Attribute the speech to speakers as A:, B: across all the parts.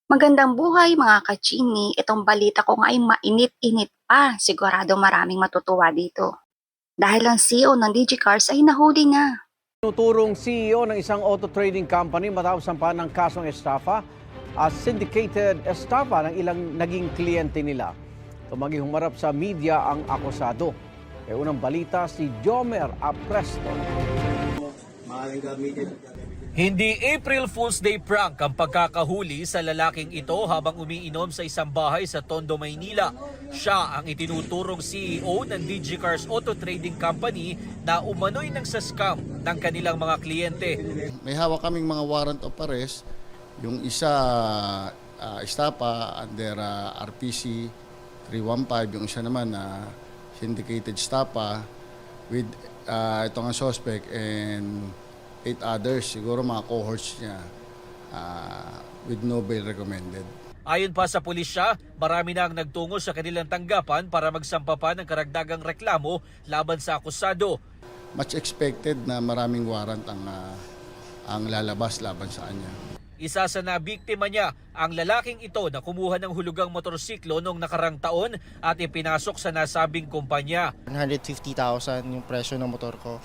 A: Magandang buhay mga kachini. Itong balita ko nga ay mainit-init pa. Sigurado maraming matutuwa dito. Dahil ang CEO ng DigiCars ay nahuli na.
B: Tuturong CEO ng isang auto trading company matapos sampahan ng kasong estafa at syndicated estafa ng ilang naging kliyente nila. Tumagi humarap sa media ang akusado. Unang balita si Jomer Apresto.
C: Hindi April Fool's Day prank ang pagkakahuli sa lalaking ito habang umiinom sa isang bahay sa Tondo, Maynila. Siya ang itinuturong CEO ng DigiCars Auto Trading Company na umano'y nagsascam ng kanilang mga kliyente.
D: May hawak kaming mga warrant of arrest. Yung isa estapa under RPC 315, yung isa naman syndicated estapa with itong suspect and 8 others, siguro mga cohorts niya with no bail recommended.
C: Ayon pa sa pulisya, marami na ang nagtungo sa kanilang tanggapan para magsampa pa ng karagdagang reklamo laban sa akusado.
D: Much expected na maraming warrant ang lalabas laban sa kanya.
C: Isa sa nabiktima niya ang lalaking ito na kumuha ng hulugang motorsiklo noong nakarang taon at ipinasok sa nasabing kumpanya.
E: 150,000 yung presyo ng motor ko.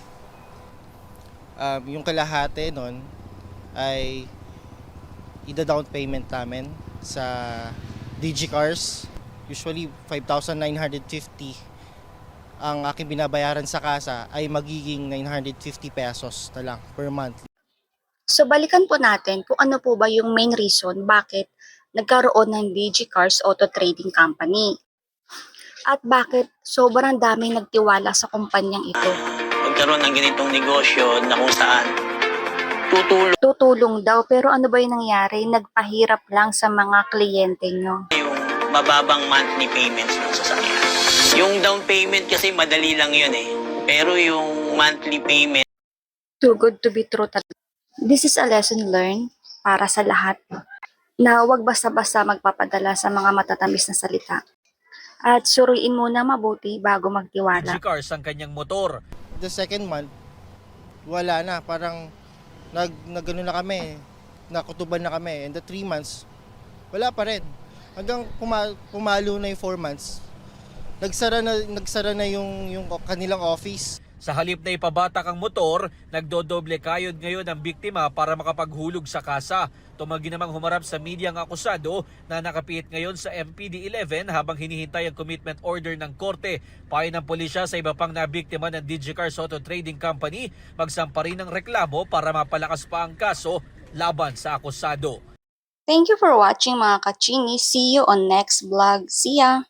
E: Yung kalahati nun ay ida-down payment namin sa DigiCars. Usually 5,950 ang aking binabayaran sa kasa ay magiging 950 pesos na lang per month.
A: So balikan po natin kung ano po ba yung main reason bakit nagkaroon ng DigiCars Auto Trading Company. At bakit sobrang daming nagtiwala sa kumpanyang ito.
F: Magkaroon ng ganitong negosyo na kung saan
A: Tutulong daw, pero ano ba yung nangyari? Nagpahirap lang sa mga kliyente nyo.
F: yung mababang monthly payments ng sasakyan. Yung down payment kasi madali lang yun eh. Pero yung monthly payment,
A: Too good to be true talaga. This is a lesson learned para sa lahat na huwag basta-basta magpapadala sa mga matatamis na salita. At suriin muna mabuti bago magtiwala.
C: DigiCars ang kanyang motor.
E: The second month, wala na. Parang nagano na kami, nakutuban na kami. And the 3 months, wala pa rin. Hanggang pumalo na yung 4 months, nagsara na yung kanilang office.
C: Sa halip na ipabatak ang motor, nagdodoble kayod ngayon ang biktima para makapaghulog sa kasa. Tumagi namang humarap sa media ang akusado na nakapihit ngayon sa MPD 11 habang hinihintay ang commitment order ng korte. Payo ng pulisya sa iba pang nabiktima ng DigiCars Auto Trading Company, magsampa rin ng reklamo para mapalakas pa ang kaso laban sa akusado.
A: Thank you for watching mga kachini. See you on next vlog. See ya!